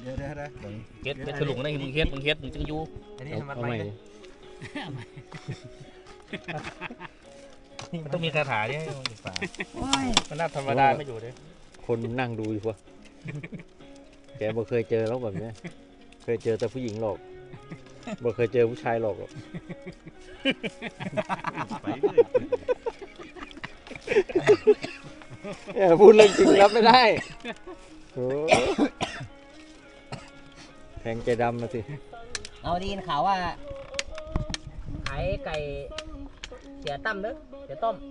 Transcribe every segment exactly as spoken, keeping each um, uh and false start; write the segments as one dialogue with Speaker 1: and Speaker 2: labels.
Speaker 1: เดี๋ยวเดี๋ยวเดี๋ยว
Speaker 2: เฮ็ดเป็นฉลุงนะมึงเฮ็ดมึงเฮ็ดมึงจึงอยู่
Speaker 1: อันนี้ทำมันไป
Speaker 2: มันต้องมีคาถาเนี่ยมันน่าธรรมดาไม่อยู่เลย
Speaker 3: คนนั่งดูอยู่วะแกบ่เคยเจอแล้วแบบนี้เคยเจอแต่ผู้หญิงหรอกบ่เคยเจอผู้ชายหรอกเนี่ยพูดเรื่องจริงรับไม่ได้โอ้แทงใจดำมาสิ
Speaker 4: เอาดีนข่าวว่าขายไก่เสียตั้มเด้อเสียต้ม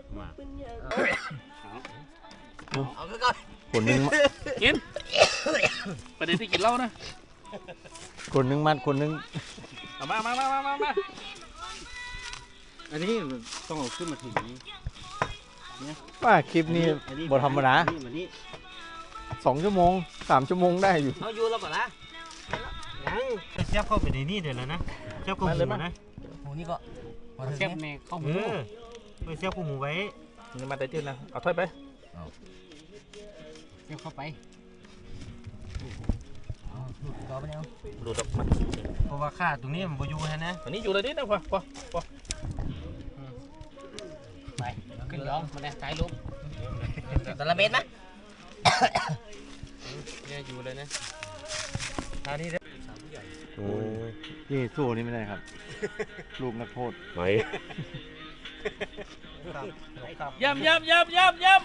Speaker 4: เอาก็
Speaker 3: คนนึง
Speaker 2: กินประเด็นที่กินเหล้านะ
Speaker 3: คนนึงมัดคนนึง
Speaker 2: เอามามามามามา
Speaker 1: อันนี้ต้องเอาขึ้นมาถึงนี้
Speaker 3: ว่าคลิปนี้บทธรรมดาสองชั่วโมงสามชั่วโมงได้อยู่
Speaker 4: เอาอยู่แล้วก่อนนะ
Speaker 1: ยังเสียบเข้าไปในนี่เดี๋ยวแล้วนะเสียบเข้าหมูนะ
Speaker 4: หมูนี่ก็
Speaker 1: เสียบแม่เข้าหมูไปเสียบเข้าหมูไว้
Speaker 2: นี่มาแต่จืดนะเอาถ้วยไป
Speaker 4: เสียบเข้าไปหลุดต่อไปแล้ว
Speaker 2: หลุดออกมา
Speaker 1: เพราะว่าค่าตรงนี้มันบอยู่ฮะนะ
Speaker 2: อันนี้อยู่เลยนี่นะพ่อพ่อพ่อ
Speaker 4: ไปขึ้นร้องมาเลยถ่ายรูปแต่ละเม็ดไหม
Speaker 1: เนี่ยอยู่เลยนะท่านี้เด้อ
Speaker 3: โอ้ยนี่สู้นี่ไม่ได้ครับลูกนักโทษ
Speaker 2: ไหนย่ำย่ำย่ำย่ำย่ำ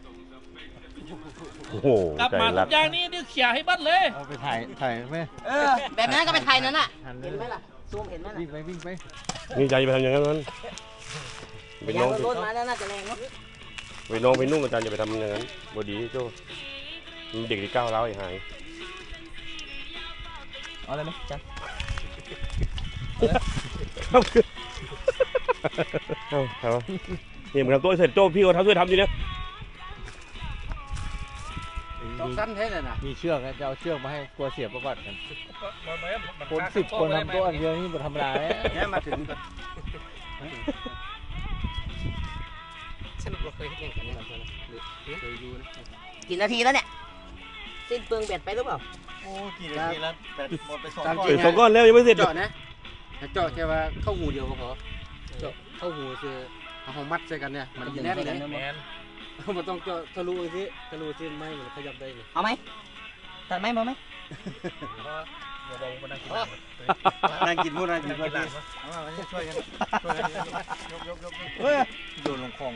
Speaker 3: โอ้โห
Speaker 2: กลับมาทุกอย่างนี้นี่เขี่ยให้บัดเลย
Speaker 3: เอาไปถ่ายถ่ายไหม
Speaker 4: เออแบบนั้นก็ไปถ่ายนั่นน่ะเห็นไหมล่ะซูมเห็นไหมล่ะ
Speaker 3: วิ่งไปวิ่งไป
Speaker 5: นี่ใจไปทำอย่างนั้นนั้น
Speaker 4: ไปน้องรถมาแล้วน่าจะแรงเนาะ
Speaker 5: ไปน้องไปนุ่งอาจารย์อย่าไปทำอย่างนั้นบดีโจ้เด็กที่ก้าวร้าวไอ้หาย
Speaker 4: เอาเลยไหมจัน
Speaker 5: เอาเอาเนี่ยมึงทำตัวเสร็จโจ้พี่ก็ทำช่วยทำดีนะ
Speaker 1: ต้องสั้นแท้เลยนะ
Speaker 3: มีเชือกจะเอาเชือกมาให้กลัวเสียประวัติกันคนสิบคนทำตัวอันเดียวนี่มันธรรมดา
Speaker 1: เนี่ยมาถึง
Speaker 4: ฉันเราเคยเห็นกันนี่เคยดูนะกี่นาทีแล้วเนี่ยสิ้นเปลืองแบตไปหรือเปล่า
Speaker 1: โอ้กี่นาทีแล้วแบตหมดไปสองก้อน
Speaker 5: สองก้อนแล้วยังไม่เสร็จ
Speaker 1: เจาะนะเจาะแค่ว่าเข้าหูเดียวก็พอเจาะเข้าหูคือเอาหอมมัดใส่กันเนี่ยมันแน่นเลยมันต้องเจาะทะลุสิทะลุสิไม่มันขยับได้เลย
Speaker 4: เอาไหมตัดไหมมาไหม
Speaker 1: นั่งกินพูดนั่งกินพูดช่วยกันช่วยกันยกยกยกเฮ้ยโดนลงคลอง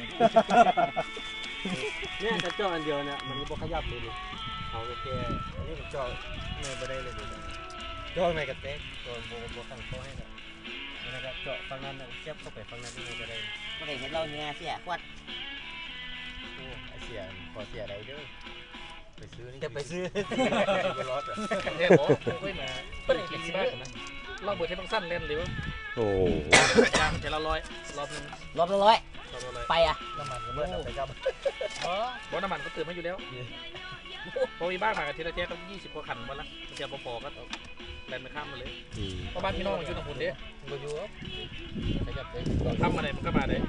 Speaker 1: เนี่ยจะเจาะอันเดียวเนี่ยมันก็ขยับเลยดิเอาแค่อันนี้ผมเจาะไม่ได้เลยเจาะในกระเตกโดนโบโบตั้งโต๊ะให้เนี่ยนะครับเจาะฝั่งนั้นเนี่ยเสียบเข้าไปฝั่งนั้นนี่ก็ได้
Speaker 4: ไม่ได้เห็นเราเนี่ยเสียขวด
Speaker 1: โอ้ไอเสียขอเสียอะไรเด้อไปซื้อนี่
Speaker 4: จะไปซื้อ
Speaker 1: ไปรถอ่ะ
Speaker 2: เฮ้ยโอ้ไม่มาเป็นอีกบ้างนะเราเบิดให้บางสั้นเล่นหรือ
Speaker 5: โอ้
Speaker 2: ยางจะละร้อยรอบนึง
Speaker 4: รอบละร้อยไปอ่ะ
Speaker 2: น้ำมันก็เมื่อไปกับอ๋อบน้ำมันก็ตื่นมาอยู่แล้วพอมีบ้านมากันทีละเท่าก็ยี่สิบกว่าขันวันละเทียบพอๆก็แลนไปข้ามมาเลยเพราะบ้านพี่น้องอยู่ตรงหุ่นเด้มาอยู่ขยับเลยทำมาไหนมันก็มาเลย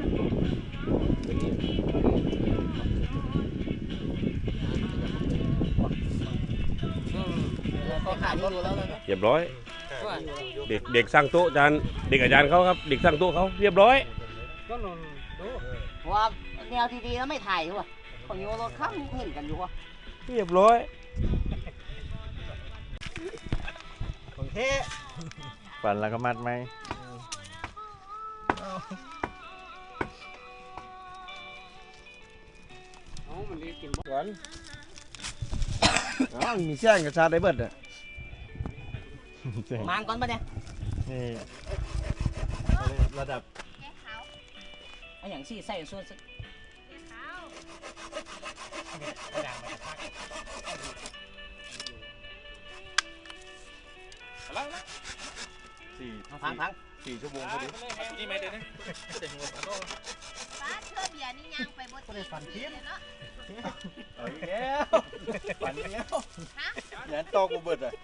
Speaker 5: เรียบร้อยเด็กเด็กสร้างโต๊ะอาจารย์เด็กอาจารย์เขาครับเด็กสร้างโต๊ะเขาเรียบร้อย
Speaker 1: ก็นอนดู
Speaker 4: ว่าแนวดีๆแล้วไม่ถ่ายว่ะของโยรถข้ามเห็นกันอยู่ว่ะ
Speaker 5: เรียบร้อย
Speaker 1: ของเท่
Speaker 3: ปั่นแล้วก็มัดไหม
Speaker 1: อ๋อมันรีบกินก่อนอ๋อมีเสี้ยงกับชาได้เบิดอ่ะ
Speaker 4: มางก่อนปะเนี่ย
Speaker 3: นี่ระดับ
Speaker 4: ไอ้อย่างซี่ใส่ส่วนสัก
Speaker 3: สี่
Speaker 4: พังพัง
Speaker 3: สี่ชั่วโมงพอดี
Speaker 2: นี่ไม่เดี๋ยวนี้เด็กหัวปลาโต้
Speaker 6: ป้าเชื่อเบียร์นี่ย่างไปบนที่ฝันเทียนเนาะ
Speaker 1: เอาอีกแล้วฝันอีกแล้วฮะยันตอกกูเบิดอ่ะ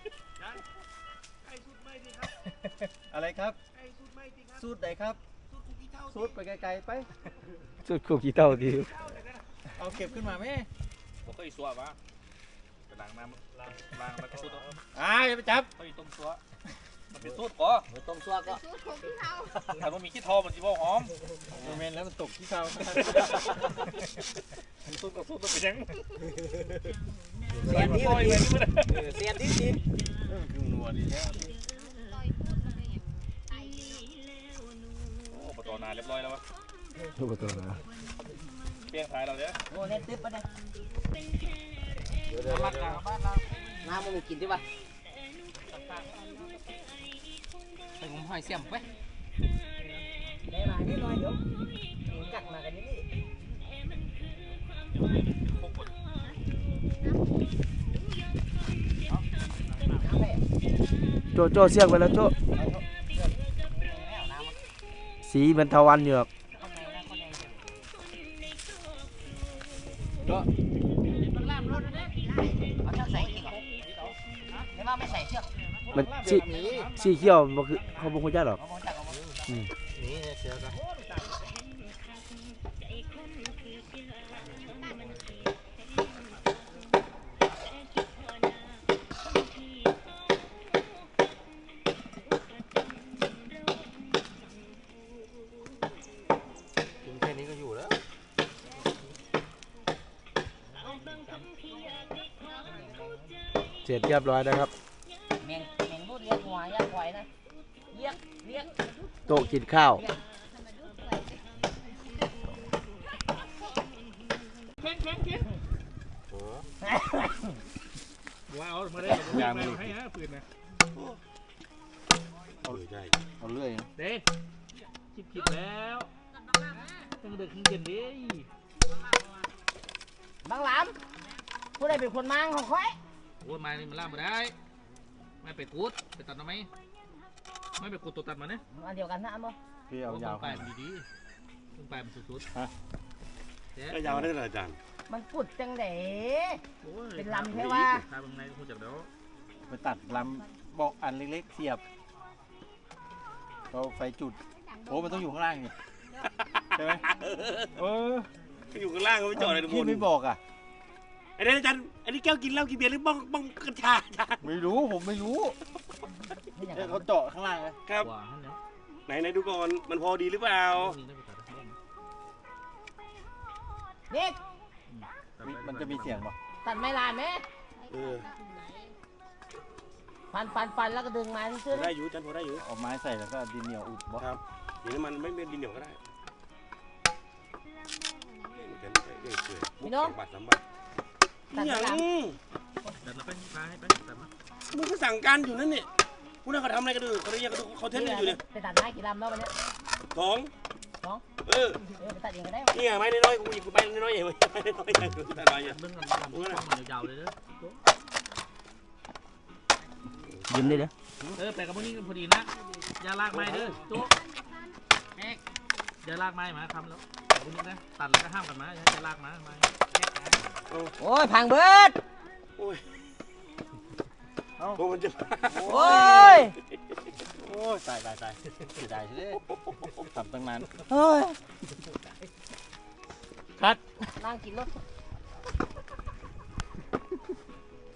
Speaker 1: อะไรครับสูตรไหนครับสูตรไปไกลๆไป
Speaker 3: สุดคู่ขี้เต่าดี
Speaker 1: เอาเก็บขึ้นมาไหม
Speaker 2: ผมก็อีสัววะล้างน้ำล้างล้างแล้วก็สูตร
Speaker 3: อ่าอย่าไปจับ
Speaker 2: เขาอยู่ต้มซัวมันเป็นสูตรก่อ
Speaker 4: ต้มซัวก็
Speaker 6: สูตรของพี่เฮา
Speaker 2: ถ้ามันมีขี้ทอมันจะบอกหอม
Speaker 3: เมนแล้วมันตกที่เท้า
Speaker 2: สูตรกับสูตรมันเป็นยัง
Speaker 4: เสียนที่
Speaker 2: ลอยไปนี่มัน
Speaker 4: เสียนที่สิ
Speaker 3: คือนัวดีแล้ว
Speaker 6: ลอยพูดอะไรอย่างไต
Speaker 2: โอ้ปตอนานเรียบร้อยแล้ววะ
Speaker 3: ทุกตัวนะ
Speaker 2: เปี้ยงท้ายเราเนี่ย
Speaker 4: โอ้เน็ตตึ๊บปะเนี่ย
Speaker 2: บ้านเราบ้านเรา
Speaker 4: น้ำมันมีกินใช่ปะไปงมหอยเสียมไปได้มานิดหน่อยเดี๋ยวกัดมากันนิดนี่
Speaker 7: โจโจเสียกไปแล้วโจสีเป็นทวันอยู่ครับ
Speaker 4: เอาเชือกใส่อีกเหรอไม่ว่าไม่ใส่เชือก
Speaker 7: มันสีสีเขียวมันคือเขาบอกคุณจ้าหรอก
Speaker 4: เอามาจากเอามา
Speaker 1: นี่เสือก็กินแค่นี้ก็อยู่แล้ว
Speaker 7: เสร็จเรียบร้อยนะครับ
Speaker 4: แมงแมงรูดเลี้ยงหัวย่างควายนะเลี้ยงเลี้ยง
Speaker 7: โต๊ะกินข้าว
Speaker 2: ว้าวมาได้ยามาให้ฮะปืนนะ
Speaker 5: เอาเลยได้
Speaker 3: เอาเรื่อย
Speaker 2: เด้คิดผิดแล้วตั้งเด็กขึ้นเย็นดิ
Speaker 4: บางหลามผู้ใดเป็นคนมังของค่อย
Speaker 2: โอ้ยไม้นี่มันล่ามมาได้ไม่ไปกูดไปตัดทำไมไม่ไปกูดตัวตัดมาเนี่ย
Speaker 4: อันเดียวกันนะอันบ่
Speaker 3: พี่เอายาว
Speaker 2: ไปมันดีๆต้องไปมันสุดๆ
Speaker 5: ก็ยาวได้เลยอาจารย์
Speaker 4: มันปุดจังเด๋
Speaker 2: โอ้ย
Speaker 4: เป็นลำใช่ปะ
Speaker 2: ทาบางในคุณจักเดี๋ยว
Speaker 3: ไปตัดลำบอกอันเล็กๆเสียบเราไฟจุดโอ้มันต้องอยู่ข้างล่างนี่ใช่ไหมเออ
Speaker 5: อยู่ข้างล่างก็ไม่จอดเลยทุกค
Speaker 3: พี่
Speaker 5: น
Speaker 3: ไม่บอกอ่ะ
Speaker 5: ไอ้นี่อาจารย์อันนี้แก้วกินเหล้ากินเบียร์หรือบ้องบ้องกัญชาอาจารย์
Speaker 3: ไม่รู้ผมไม่รู้
Speaker 4: นี่อย่าง
Speaker 3: เนี่ย
Speaker 4: นั้น
Speaker 3: เขาเจาะข้างล่างเลย
Speaker 5: ครับ
Speaker 2: ว่าท่านเนาะ
Speaker 5: ไหนไหนดูก่อนมันพอดีหรือเปล่า
Speaker 2: นี่นะไปตัดให้
Speaker 4: เด็ก
Speaker 3: มันจะมีเสียงป่ะ
Speaker 4: ตัดไม้ลายไหม
Speaker 5: เออ
Speaker 4: ฟันฟันฟันแล้วก็ดึงมาที่
Speaker 5: พ
Speaker 4: ซื้อ
Speaker 5: อได้อยู่อาจารย์พอได้อยู่
Speaker 3: เอาไม้ใส่แล้วก็ดินเหนียวอุดบ่
Speaker 5: ครับเดี๋ยวนี้มันไม่เป็นดินเหนียวก็ได้เหมือนกันไปเรื่อยๆมุกสองบาทสามบาท
Speaker 4: ตัด
Speaker 5: อ
Speaker 4: ไม้
Speaker 5: ย่าง
Speaker 4: ลาย
Speaker 2: ตัดแล้วไปพาให้ไปตัดมา
Speaker 5: มึงก็สั่งการอยู่นั่นเนี่ยพวกนั้นเขาทำอะไรกันดูเขาเรียกกันดูเขาเทสกันอยู่เนี่ย
Speaker 4: ไปตัดไม้กี่ลำแล้ววันนี้
Speaker 5: สอง
Speaker 4: สอง
Speaker 5: เออ
Speaker 4: เออไปตัดเองก็ได้
Speaker 5: นี่ไงไม้น้อยๆกูอีกไม้น้อยๆเองไม้น้อยๆอย่างแต่น้อยอย่าง
Speaker 2: เรื่องกันทำช่องมันยาวๆเลยเด้อ
Speaker 7: ยิ้มได้เลย
Speaker 2: เออแปลกับพวกนี้พอดีนะอย่าลากไม้เด้อโจ๊กแอ๊กอย่าลากไม้มาทำแล้วพวกนี้นะตัดแล้วก็ห้ามกันมาอย่าลากมาไม้
Speaker 4: โอ้ยพังเบิด
Speaker 5: โอ้ยโอ้มันจะ
Speaker 4: โอ้ย
Speaker 3: โอ้ยตายตายตายเสียดายใช่ไหมทำตั้งนาน
Speaker 4: เฮ้ย
Speaker 7: คัด
Speaker 4: นั่งกินรถ